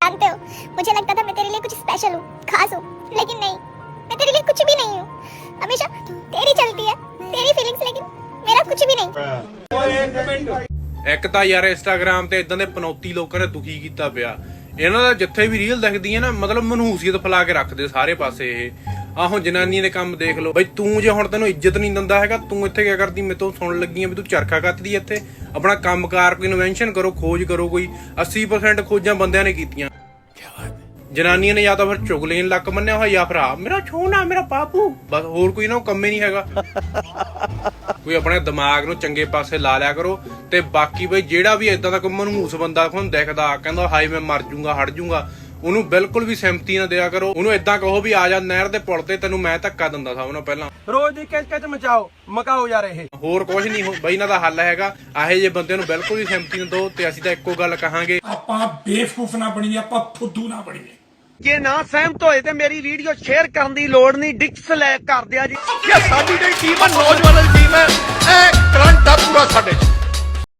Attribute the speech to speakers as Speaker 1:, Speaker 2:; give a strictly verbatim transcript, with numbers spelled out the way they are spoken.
Speaker 1: जानते हो, मुझे लगता था मैं तेरे लिए कुछ स्पेशल हूँ, खास हूँ, लेकिन नहीं, मैं तेरे लिए कुछ भी नहीं हूँ। हमेशा तेरी चलती है, तेरी फीलिंग्स, लेकिन मेरा कुछ भी नहीं।
Speaker 2: ਇੱਕ ਤਾਂ ਯਾਰ ਇੰਸਟਾਗ੍ਰਾਮ ਤੇ ਇਦਾਂ ਦੇ ਪਨੌਤੀ ਲੋਕਾਂ ਨੇ ਦੁਖੀ ਕੀਤਾ ਪਿਆ। ਇਹਨਾਂ ਦਾ ਜਿੱਥੇ ਵੀ ਰੀਲ ਦਿਖਦੀ ਹੈ ਨਾ, ਮਤਲਬ ਮਨਹੂਸੀਅਤ ਫੈਲਾ ਕੇ ਰੱਖਦੇ ਸਾਰੇ ਪਾਸੇ ਇਹ। ਆਹੋ ਜਨਾਨੀਆਂ ਦੇ ਕੰਮ ਦੇਖ ਲਓ ਬਈ। ਤੂੰ ਜੇ ਹੁਣ ਤੈਨੂੰ ਇੱਜ਼ਤ ਨਹੀਂ ਦਿੰਦਾ ਹੈਗਾ, ਤੂੰ ਇੱਥੇ ਕੀ ਕਰਦੀ? ਮੇਰੇ ਤੋਂ ਸੁਣਨ ਲੱਗੀ ਆ ਵੀ ਤੂੰ ਚਰਖਾ ਕੱਤਦੀ ਇੱਥੇ। ਆਪਣਾ ਕੰਮਕਾਰ ਕੋਈ ਇਨਵੈਂਸ਼ਨ ਕਰੋ, ਖੋਜ ਕਰੋ। ਕੋਈ अस्सी परसेंट ਖੋਜਾਂ ਬੰਦਿਆਂ ਨੇ ਕੀਤੀਆਂ। ਜਨਾਨੀਆਂ ਨੇ ਜਾਂ ਤਾਂ ਫਿਰ ਚੁਗਲੀਆਂ ਲੱਕ ਮੰਨਿਆ ਹੋਇਆ, ਜਾਂ ਫਿਰ ਆ ਮੇਰਾ ਛੋਨਾ, ਮੇਰਾ ਬਾਪੂ, ਬਸ ਹੋਰ ਕੋਈ ਨਾ ਕੰਮ ਹੀ ਨਹੀਂ ਹੈਗਾ। ਕੋਈ ਆਪਣੇ ਦਿਮਾਗ ਨੂੰ ਚੰਗੇ ਪਾਸੇ ਲਾ ਲਿਆ ਕਰੋ। ਤੇ ਬਾਕੀ ਬਈ ਜਿਹੜਾ ਵੀ ਏਦਾਂ ਦਾ ਕੋਈ ਮਨਹੂਸ ਬੰਦਾ ਤੁਹਾਨੂੰ ਦਿਖਦਾ, ਕਹਿੰਦਾ ਹਾਏ ਮੈਂ ਮਰ ਜੂੰਗਾ, ਹਟ ਜੂੰਗਾ, ਉਹਨੂੰ ਬਿਲਕੁਲ ਵੀ ਸਿੰਪਥੀ ਨਾ ਦਿਆ ਕਰੋ। ਉਹਨੂੰ ਏਦਾਂ ਕਹੋ ਵੀ ਆ ਜਾ ਨਹਿਰ ਦੇ ਪੁਲ ਤੇ, ਤੈਨੂੰ ਮੈਂ ਧੱਕਾ ਦਿੰਦਾ ਸਭ ਨਾਲੋਂ ਪਹਿਲਾਂ।
Speaker 3: ਰੋਜ਼ ਦੀ ਕਿਚ ਕਿਚ ਮਚਾਓ ਮਕਾਓ ਯਾਰ। ਇਹ
Speaker 2: ਹੋਰ ਕੁਝ ਨਹੀਂ ਬਈ, ਇਹਨਾਂ ਦਾ ਹੱਲ ਹੈਗਾ ਆਹੇ ਜੇ ਬੰਦੇ ਨੂੰ ਬਿਲਕੁਲ ਵੀ ਸਿੰਪਥੀ ਨਾ ਦਿਓ। ਤੇ ਅਸੀਂ ਤਾਂ ਇੱਕੋ ਗੱਲ ਕਹਾਂਗੇ,
Speaker 4: ਆਪਾਂ ਬੇਵਕੂਫ ਨਾ ਬਣੀਏ, ਆਪਾਂ ਫੁੱਦੂ ਨਾ ਬਣੀਏ।
Speaker 3: ਜੇ ਨਾ ਸਹਿਮਤ ਹੋਏ ਤੇ ਮੇਰੀ ਵੀਡੀਓ ਸ਼ੇਅਰ ਕਰਨ ਦੀ ਲੋੜ ਨਹੀਂ, ਡਿਸਲਾਈਕ ਕਰ ਦਿਆ ਜੀ। ਇਹ ਸਾਡੀ ਟੀਮ ਨੌਜਵਾਨਾਂ ਦੀ ਟੀਮ